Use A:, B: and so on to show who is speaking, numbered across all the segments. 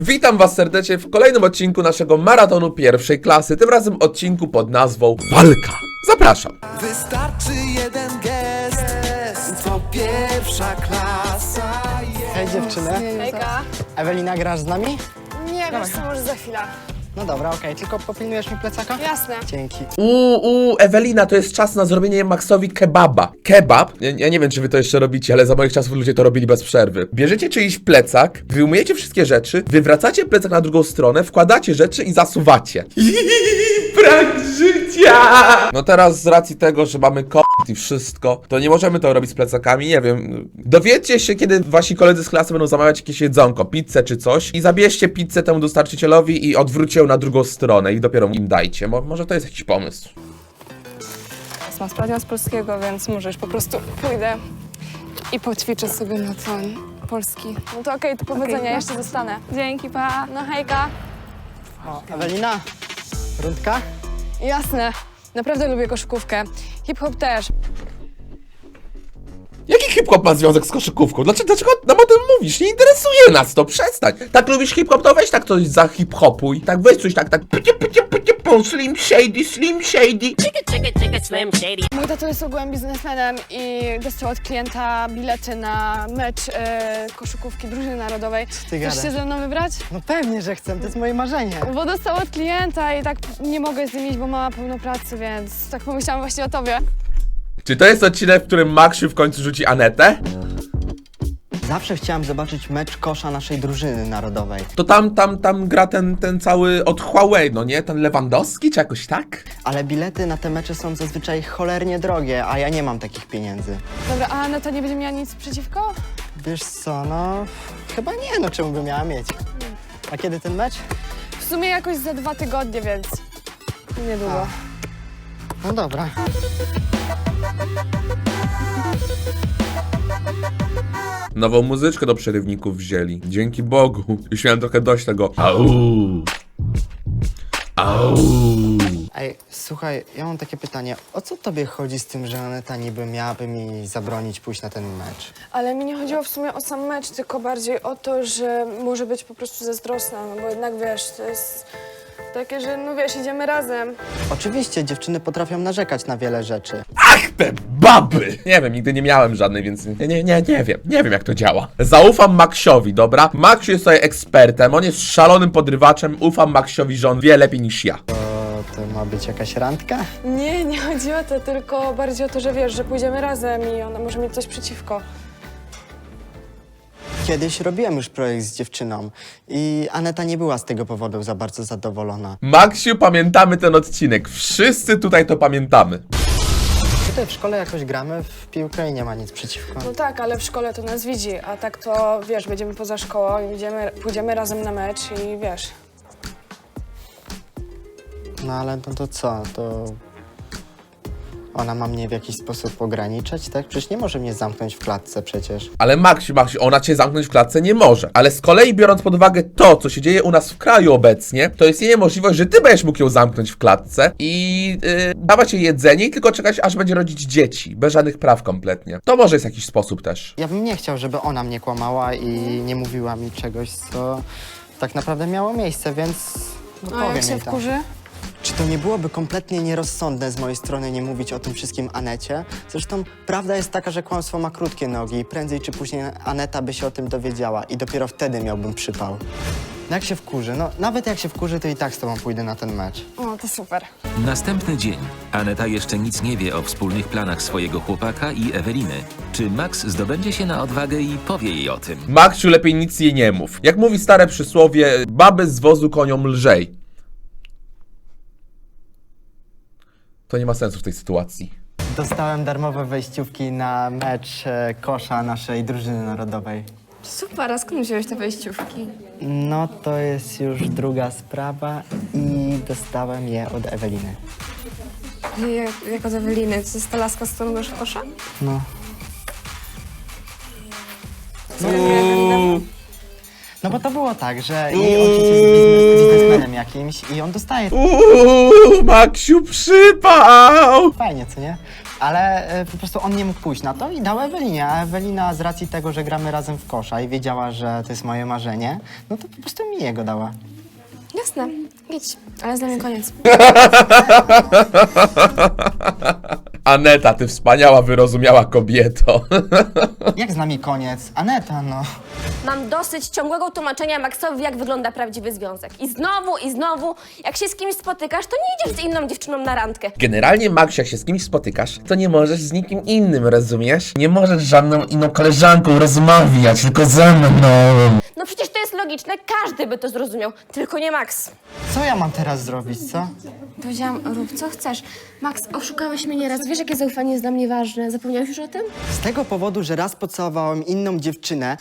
A: Witam was serdecznie w kolejnym odcinku naszego maratonu pierwszej klasy, tym razem odcinku pod nazwą Walka. Zapraszam.
B: Wystarczy jeden gest, to pierwsza klasa jest.
C: Hej dziewczyny.
D: Hejka.
C: Ewelina, grasz z nami?
D: Nie, wiesz co, może za chwilę.
C: No dobra, okej, tylko popilnujesz mi plecaka?
D: Jasne.
C: Dzięki.
A: Ewelina, to jest czas na zrobienie Maxowi kebaba. Kebab, ja nie wiem, czy wy to jeszcze robicie, ale za moich czasów ludzie to robili bez przerwy. Bierzecie czyjś plecak, wyjmujecie wszystkie rzeczy, wywracacie plecak na drugą stronę, wkładacie rzeczy i zasuwacie. Brak życia! No teraz z racji tego, że mamy i wszystko, to nie możemy to robić z plecakami, nie wiem. Dowiedzcie się, kiedy wasi koledzy z klasy będą zamawiać jakieś jedzonko, pizzę czy coś i zabierzcie pizzę temu dostarczycielowi i odwróćcie ją na drugą stronę i dopiero im dajcie. Może to jest jakiś pomysł.
D: Mam sprawdzian z polskiego, więc może już po prostu pójdę i poćwiczę sobie na ten polski. No to okej, to powodzenia, jeszcze zostanę. Dzięki, pa. No hejka.
C: O, Ewelina, rundka?
D: Jasne. Naprawdę lubię koszykówkę. Hip-hop też.
A: Jaki hip-hop ma związek z koszykówką? Dlaczego nam o tym mówisz? Nie interesuje nas to, przestań. Tak lubisz hip-hop, to weź tak coś za hip-hopuj. Tak weź coś tak, slim shady.
D: Mój tato jest ogółem biznesmenem i dostał od klienta bilety na mecz koszykówki drużyny narodowej.
C: ty
D: Chcesz się
C: gadasz?
D: ze mną wybrać?
C: No pewnie, że chcę, to jest moje marzenie.
D: Bo dostał od klienta i tak nie mogę z nim iść, bo mama pełno pracy, więc tak pomyślałam właśnie o tobie.
A: Czy to jest odcinek, w którym Maksiu w końcu rzuci Anetę?
C: Zawsze chciałam zobaczyć mecz kosza naszej drużyny narodowej.
A: To tam gra ten cały od Huawei, no nie? Ten Lewandowski czy jakoś tak?
C: Ale bilety na te mecze są zazwyczaj cholernie drogie, a ja nie mam takich pieniędzy.
D: Dobra, a Aneta nie będzie miała nic przeciwko?
C: Wiesz co, no chyba nie, no czemu by miała mieć? A kiedy ten mecz?
D: W sumie jakoś za 2 tygodnie, więc niedługo.
C: No dobra.
A: Nową muzyczkę do przerywników wzięli. Dzięki Bogu. Już miałem trochę dość tego. Au. Au.
C: Ej, słuchaj, ja mam takie pytanie. O co tobie chodzi z tym, że Aneta niby miałaby mi zabronić pójść na ten mecz?
D: Ale mi nie chodziło w sumie o sam mecz, tylko bardziej o to, że może być po prostu zazdrosna, no bo jednak wiesz, to jest takie, że no wiesz, idziemy razem.
C: Oczywiście, dziewczyny potrafią narzekać na wiele rzeczy.
A: Ach, te baby! Nie wiem, nigdy nie miałem żadnej, więc nie wiem jak to działa. Zaufam Maxiowi, dobra? Maxiu jest tutaj ekspertem, on jest szalonym podrywaczem, ufam Maxiowi, że on wie lepiej niż ja.
C: To ma być jakaś randka?
D: Nie, nie chodzi o to, tylko bardziej o to, że wiesz, że pójdziemy razem i ona może mieć coś przeciwko.
C: Kiedyś robiłem już projekt z dziewczyną i Aneta nie była z tego powodu za bardzo zadowolona.
A: Maxiu, pamiętamy ten odcinek, wszyscy tutaj to pamiętamy.
C: Tutaj w szkole jakoś gramy w piłkę i nie ma nic przeciwko.
D: No tak, ale w szkole to nas widzi, a tak to wiesz, będziemy poza szkołą i pójdziemy razem na mecz i wiesz.
C: No ale no to co? To ona ma mnie w jakiś sposób ograniczać, tak? Przecież nie może mnie zamknąć w klatce przecież.
A: Ale Maxiu, ona cię zamknąć w klatce nie może. Ale z kolei biorąc pod uwagę to, co się dzieje u nas w kraju obecnie, to jest jej możliwość, że ty będziesz mógł ją zamknąć w klatce i dawać jej jedzenie i tylko czekać, aż będzie rodzić dzieci. Bez żadnych praw kompletnie. To może jest jakiś sposób też.
C: Ja bym nie chciał, żeby ona mnie kłamała i nie mówiła mi czegoś, co tak naprawdę miało miejsce, więc no
D: A jak
C: powiem
D: się
C: jej tak.
D: wkurzy?
C: Czy to nie byłoby kompletnie nierozsądne z mojej strony nie mówić o tym wszystkim Anecie? Zresztą prawda jest taka, że kłamstwo ma krótkie nogi i prędzej czy później Aneta by się o tym dowiedziała i dopiero wtedy miałbym przypał. No jak się wkurzy? No nawet jak się wkurzy, to i tak z tobą pójdę na ten mecz.
D: O, to super.
E: Następny dzień. Aneta jeszcze nic nie wie o wspólnych planach swojego chłopaka i Eweliny. Czy Max zdobędzie się na odwagę i powie jej o tym?
A: Maxiu, lepiej nic jej nie mów. Jak mówi stare przysłowie, baby z wozu koniom lżej. To nie ma sensu w tej sytuacji.
C: Dostałem darmowe wejściówki na mecz kosza naszej drużyny narodowej.
D: Super, a skąd wziąłeś te wejściówki?
C: No to jest już druga sprawa i dostałem je od Eweliny.
D: Jak od Eweliny, to jest ta laska, z którą grasz w kosza?
C: No. No bo to było tak, że jej ojciec jest biznesmenem jakimś i on dostaje
A: Maksiu przypał!
C: fajnie, co nie? Ale po prostu on nie mógł pójść na to i dał Ewelinie, a Ewelina z racji tego, że gramy razem w kosza i wiedziała, że to jest moje marzenie, no to po prostu mi jego dała.
D: Jasne, idź, ale z nami koniec.
A: Aneta, ty wspaniała, wyrozumiała kobieto.
C: Jak z nami koniec? Aneta, no.
F: Mam dosyć ciągłego tłumaczenia Maxowi, jak wygląda prawdziwy związek. I znowu, jak się z kimś spotykasz, to nie idziesz z inną dziewczyną na randkę.
A: Generalnie, Maksiu, jak się z kimś spotykasz, to nie możesz z nikim innym, rozumiesz? Nie możesz z żadną inną koleżanką rozmawiać, tylko ze mną.
F: No przecież to jest logiczne, każdy by to zrozumiał, tylko nie Max.
C: Co ja mam teraz zrobić, co?
F: Powiedziałam, rób co chcesz. Max, oszukałeś mnie nieraz, wiesz jakie zaufanie jest dla mnie ważne. Zapomniałeś już o tym?
C: Z tego powodu, że raz pocałowałem inną dziewczynę,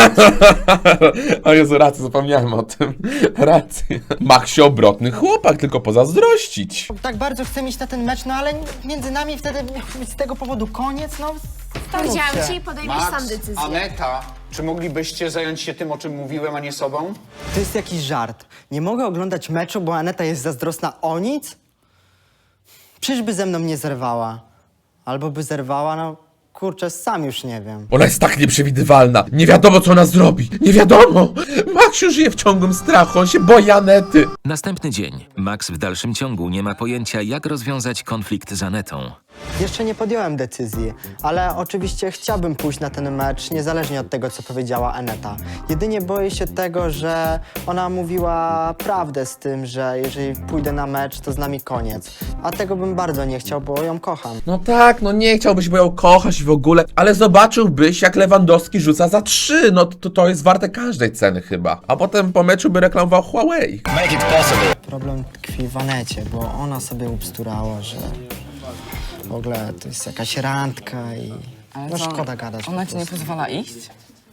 A: O Jezu, rację, zapomniałem o tym. Rację. Maksiu, obrotny chłopak, tylko pozazdrościć.
C: tak bardzo chcę iść na ten mecz, no ale między nami wtedy miał być z tego powodu koniec, no.
F: Powiedziałam
C: się.
F: ci i podejmiesz sam decyzję.
G: Aneta, czy moglibyście zająć się tym, o czym mówiłem, a nie sobą?
C: To jest jakiś żart. Nie mogę oglądać meczu, bo Aneta jest zazdrosna o nic? Przecież by ze mną nie zerwała. Albo by zerwała, no kurczę, sam już nie wiem.
A: Ona jest tak nieprzewidywalna. Nie wiadomo, co ona zrobi. Nie wiadomo. Maksiu żyje w ciągłym strachu. On się boi Anety.
E: Następny dzień. Max w dalszym ciągu nie ma pojęcia, jak rozwiązać konflikt z Anetą.
C: Jeszcze nie podjąłem decyzji, ale oczywiście chciałbym pójść na ten mecz, niezależnie od tego, co powiedziała Aneta. Jedynie boję się tego, że ona mówiła prawdę z tym, że jeżeli pójdę na mecz, to z nami koniec. A tego bym bardzo nie chciał, bo ją kocham.
A: No tak, no nie chciałbyś, bo ją kochać w ogóle, ale zobaczyłbyś, jak Lewandowski rzuca za 3. No to jest warte każdej ceny chyba. A potem po meczu by reklamował Huawei.
C: Problem tkwi w Anecie, bo ona sobie ubsturała, że w ogóle to jest jakaś randka i no
H: co,
C: szkoda gadać.
H: Ona
C: po
H: ci nie
C: prostu.
H: pozwala iść?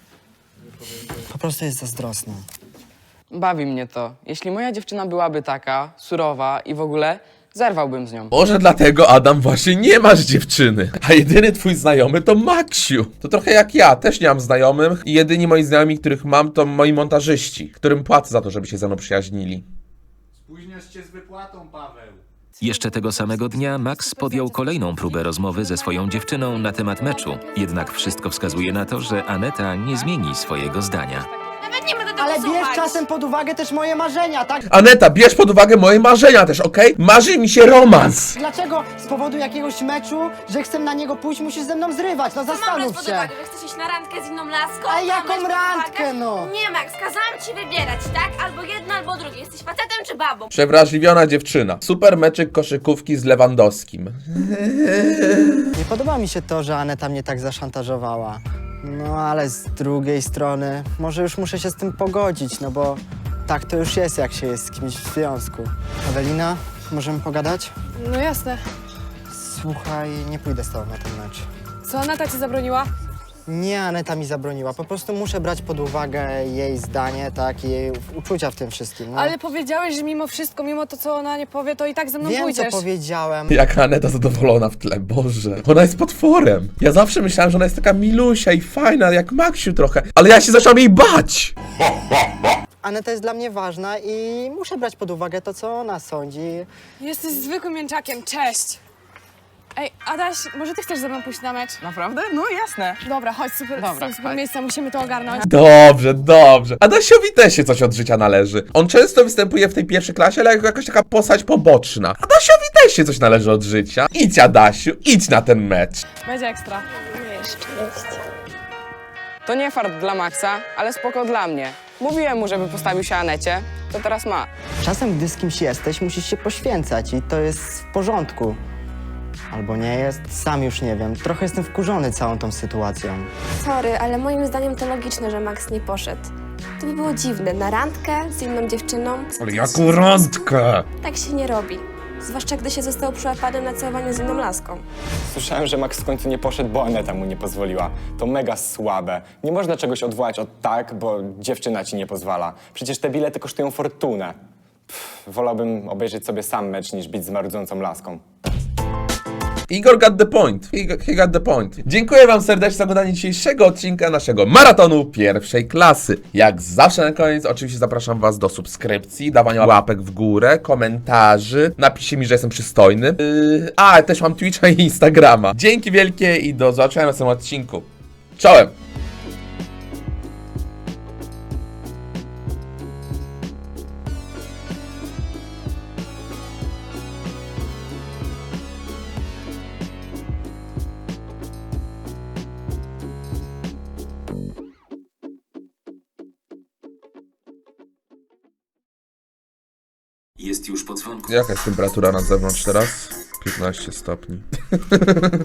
C: Po prostu jest zazdrosna.
H: Bawi mnie to. Jeśli moja dziewczyna byłaby taka, surowa i w ogóle, zerwałbym z nią.
A: Może dlatego, Adam, właśnie nie masz dziewczyny. A jedyny twój znajomy to Maksiu. To trochę jak ja, też nie mam znajomych i jedyni moi znajomi, których mam, to moi montażyści, którym płacę za to, żeby się ze mną przyjaźnili.
G: Spóźniasz się z wypłatą, Paweł.
E: Jeszcze tego samego dnia Max podjął kolejną próbę rozmowy ze swoją dziewczyną na temat meczu. Jednak wszystko wskazuje na to, że Aneta nie zmieni swojego zdania.
F: Nawet nie będę tego
C: Ale bierz
F: słuchać.
C: czasem pod uwagę też moje marzenia, tak?
A: Aneta, bierz pod uwagę moje marzenia też, okej? Marzy mi się romans.
C: Dlaczego z powodu jakiegoś meczu, że chcę na niego pójść, musisz ze mną zrywać? No
F: Co mam brać
C: zastanów
F: pod
C: się.
F: uwagę, że chcesz iść na randkę z inną laską?
C: A
F: Co
C: jaką
F: mam brać pod
C: randkę,
F: uwagę?
C: no?
F: Nie, Max, kazałam ci wybierać, tak? Albo jedno, albo drugie. Jesteś facetem czy babą?
A: Przewrażliwiona dziewczyna. Super meczyk koszykówki z Lewandowskim.
C: Nie podoba mi się to, że Aneta mnie tak zaszantażowała. No ale z drugiej strony, może już muszę się z tym pogodzić, no bo tak to już jest, jak się jest z kimś w związku. Ewelina, możemy pogadać?
D: No jasne.
C: Słuchaj, nie pójdę z tobą na ten mecz.
D: Co Aneta ci zabroniła?
C: Nie, Aneta mi zabroniła. Po prostu muszę brać pod uwagę jej zdanie, tak, i jej uczucia w tym wszystkim. No.
D: Ale powiedziałeś, że mimo wszystko, mimo to, co ona nie powie, to i tak ze mną
C: Wiem,
D: pójdziesz.
C: co powiedziałem.
A: Jaka Aneta zadowolona w tle, Boże. Ona jest potworem. Ja zawsze myślałem, że ona jest taka milusia i fajna, jak Maksiu trochę. Ale ja się zacząłem jej bać.
C: Aneta jest dla mnie ważna i muszę brać pod uwagę to, co ona sądzi.
D: Jesteś zwykłym mięczakiem, cześć. Ej, Adaś, może ty chcesz ze mną pójść na mecz?
H: Naprawdę? No jasne.
D: Dobra, chodź, super,
H: Dobra,
D: super
H: chodź.
D: miejsce, musimy to ogarnąć.
A: Dobrze, dobrze. Adasiowi też się coś od życia należy. On często występuje w tej pierwszej klasie, ale jako jakaś taka postać poboczna. Adasiowi też się coś należy od życia. Idź, Adasiu, idź na ten mecz.
D: Będzie ekstra.
H: To nie fart dla Maxa, ale spoko dla mnie. Mówiłem mu, żeby postawił się Anecie, to teraz ma.
C: Czasem, gdy z kimś jesteś, musisz się poświęcać i to jest w porządku. Albo nie jest, sam już nie wiem. Trochę jestem wkurzony całą tą sytuacją.
F: Sorry, ale moim zdaniem to logiczne, że Max nie poszedł. To by było dziwne. Na randkę z inną dziewczyną?
A: Ale jaką randkę?
F: Tak się nie robi. Zwłaszcza gdy się został przyłapanym na całowanie z inną laską.
I: Słyszałem, że Max w końcu nie poszedł, bo Aneta mu nie pozwoliła. To mega słabe. Nie można czegoś odwołać od tak, bo dziewczyna ci nie pozwala. Przecież te bilety kosztują fortunę. Wolałbym obejrzeć sobie sam mecz, niż być z marudzącą laską.
A: Igor got the point. He got the point. Dziękuję wam serdecznie za oglądanie dzisiejszego odcinka naszego maratonu pierwszej klasy. Jak zawsze na koniec oczywiście zapraszam was do subskrypcji, dawania łapek w górę, komentarzy. Napiszcie mi, że jestem przystojny. Też mam Twitcha i Instagrama. Dzięki wielkie i do zobaczenia w następnym odcinku. Czołem!
E: Jest już po dzwonku.
A: Jaka jest temperatura na zewnątrz teraz? 15 stopni.